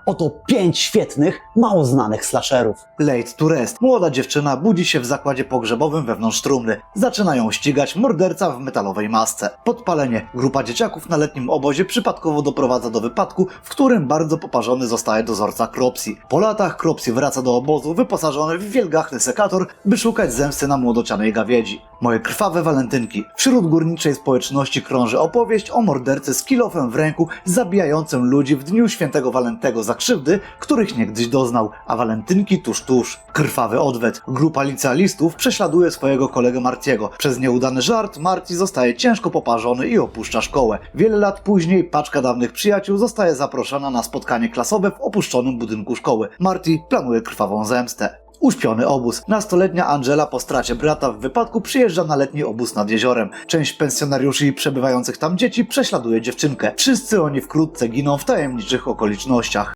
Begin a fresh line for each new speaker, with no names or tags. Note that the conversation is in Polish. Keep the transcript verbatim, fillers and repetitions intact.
Oto pięć świetnych, mało znanych slasherów.
Laid to Rest. Młoda dziewczyna budzi się w zakładzie pogrzebowym wewnątrz trumny. Zaczyna ją ścigać morderca w metalowej masce. Podpalenie. Grupa dzieciaków na letnim obozie przypadkowo doprowadza do wypadku, w którym bardzo poparzony zostaje dozorca Cropsy. Po latach Cropsy wraca do obozu wyposażony w wielgachny sekator, by szukać zemsty na młodocianej gawiedzi. Moje krwawe walentynki. Wśród górniczej społeczności krąży opowieść o mordercy z kilofem w ręku zabijającym ludzi w dniu świętego Walentego za krzywdy, których niegdyś doznał, a walentynki tuż tuż. Krwawy odwet. Grupa licealistów prześladuje swojego kolegę Martiego. Przez nieudany żart Marty zostaje ciężko poparzony i opuszcza szkołę. Wiele lat później paczka dawnych przyjaciół zostaje zaproszona na spotkanie klasowe w opuszczonym budynku szkoły. Marty planuje krwawą zemstę. Uśpiony obóz. Nastoletnia Angela po stracie brata w wypadku przyjeżdża na letni obóz nad jeziorem. Część pensjonariuszy i przebywających tam dzieci prześladuje dziewczynkę. Wszyscy oni wkrótce giną w tajemniczych okolicznościach.